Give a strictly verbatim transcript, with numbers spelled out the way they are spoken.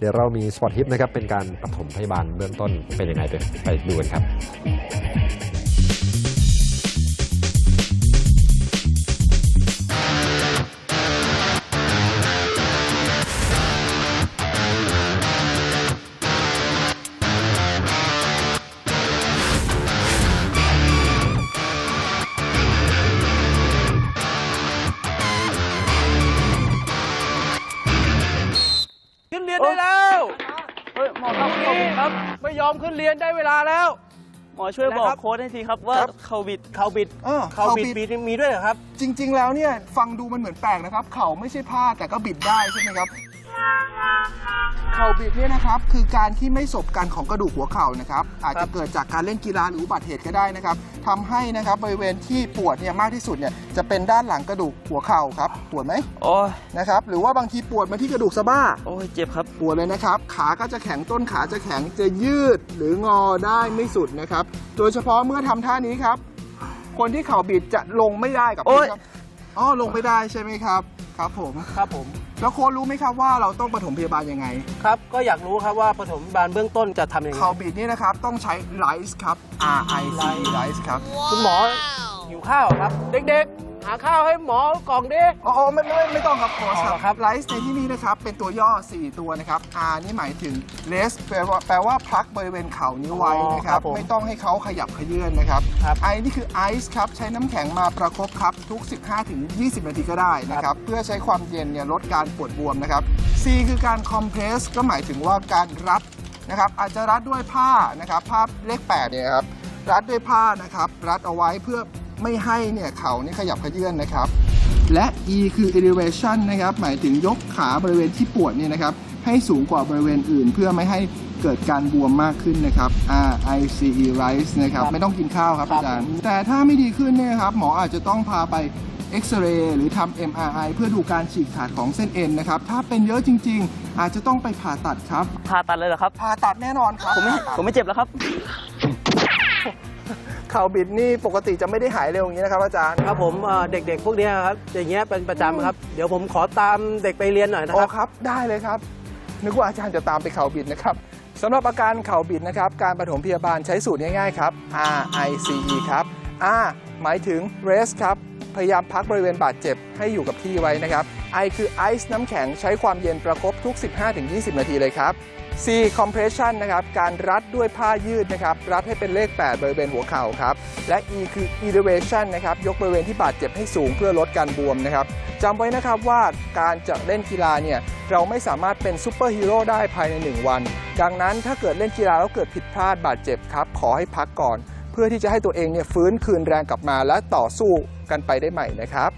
ดี๋ยวเรามีสปอตทิปนะครับเป็นการปฐมพยาบาลเบื้องต้นเป็นยังไงไปไปดูกันครับขึ้นเรียนได้แล้วเฮ้ยหมอครับครับไม่ยอมขึ้นเรียนได้เวลาแล้วหมอช่วยบอกโค้ดให้ทีครับว่าเข่าบิดเข่าบิดเออเข่าบิดบิดมีด้วยเหรอครับจริง ๆ แล้วเนี่ยฟังดูมันเหมือนแปลกนะครับเข่าไม่ใช่ผ้าแต่ก็บิดได้ใช่ไหมครับเข่าบิดเนี่ยนะครับคือการที่ไม่สบกันของกระดูกหัวเข่านะครับอาจจะเกิดจากการเล่นกีฬาหรืออุบัติเหตุก็ได้นะครับทำให้นะครับบริเวณที่ปวดเนี่ยมากที่สุดเนี่ยจะเป็นด้านหลังกระดูกหัวเข่าครับปวดไหมโอ้ยนะครับหรือว่าบางทีปวดมาที่กระดูกสะบ้าโอ้ยเจ็บครับปวดเลยนะครับขาก็จะแข็งต้นขาจะแข็งจะยืดหรืองอได้ไม่สุดนะครับโดยเฉพาะเมื่อทำท่านี้ครับคนที่เข่าบิดจะลงไม่ได้กับพื้นครับอ๋อลงไม่ได้ใช่ไหมครับครับผมครับผมแล้วโค้ชรู้ไหมครับว่าเราต้องปฐมพยาบาลยังไงครับก็อยากรู้ครับว่าปฐมพยาบาลเบื้องต้นจะทำยังไงเข่าบิดนี่นะครับต้องใช้ไลซ์ครับ R I C E ไลซ์ครับคุณหมอหิวข้าวครับเด็กๆหาข้าวให้หมอกล่องดิอ๋อไม่ไม่ไม่ต้องครับโค้ชอ๋อคครัรับบ ไลซ์ในที่นี้นะครับเป็นตัวย่อสี่ตัวนะครับ R นี่หมายถึง rest แปลว่าแปลว่าพักบริเวณเข่านี้ไว้นะครับไม่ต้องให้เขาขยับเขยื้อนนะครับ I นี่คือ ice ครับใช้น้ำแข็งมาประคบครับทุก สิบห้าถึงยี่สิบ นาทีก็ได้นะครับเพื่อใช้ความเย็นเนี่ยลดการปวดบวมนะครับ C คือการ compress ก็หมายถึงว่าการรัดนะครับอาจจะรัดด้วยผ้านะครับผ้าเลขแปดเนี่ยครับรัดด้วยผ้านะครับรัดเอาไว้เพื่อไม่ให้เนี่ยเข่านี่ขยับเขยื้อนนะครับและ E คือ elevation นะครับหมายถึงยกขาบริเวณที่ปวดเนี่ยนะครับให้สูงกว่าบริเวณอื่น เพื่อไม่ให้เกิดการบวมมากขึ้นนะครับ R I C E rise นะครับไม่ต้องกินข้าวครับอาจารย์แต่ถ้าไม่ดีขึ้นเนี่ยครับหมออาจจะต้องพาไปเอ็กซเรย์หรือทำ เอ็ม อาร์ ไอ เพื่อดูการฉีกขาดของเส้นเอ็นนะครับถ้าเป็นเยอะจริงๆอาจจะต้องไปผ่าตัดครับผ่าตัดเลยเหรอครับผ่าตัดแน่นอนครับผมไม่ผมไม่เจ็บแล้วครับเข่าบิดนี่ปกติจะไม่ได้หายเร็วอย่างนี้นะครับอาจารย์ครับผมเอ่อเด็กๆ พวกเนี้ยครับอย่างเงี้ยเป็นประจำครับ เดี๋ยวผมขอตามเด็กไปเรียนหน่อยนะอ๋คอรับครับได้เลยครับนึกว่าอาจารย์จะตามไปเข่าบิดนะครับสำหรับอาการเข่าบิดนะครับการปฐมพยาบาลใช้สูตรง่ายๆครับ R I C E ครับ R หมายถึง rest ครับพยายามพักบริเวณบาดเจ็บให้อยู่กับที่ไว้นะครับ I คือ ice น้ำแข็งใช้ความเย็นประคบทุก สิบห้าถึงยี่สิบ นาทีเลยครับ C compression นะครับการรัดด้วยผ้ายืดนะครับรัดให้เป็นเลขแปดบริเวณหัวเข่าครับและ E คือ elevation นะครับยกบริเวณที่บาดเจ็บให้สูงเพื่อลดการบวมนะครับจำไว้นะครับว่าการจะเล่นกีฬาเนี่ยเราไม่สามารถเป็นซูเปอร์ฮีโร่ได้ภายในหนึ่งวันดังนั้นถ้าเกิดเล่นกีฬาแล้วเกิดผิดพลาดบาดเจ็บครับขอให้พักก่อนเพื่อที่จะให้ตัวเองเนี่ยฟื้นคืนแรงกลับมาและต่อสู้กันไปได้ใหม่นะครับ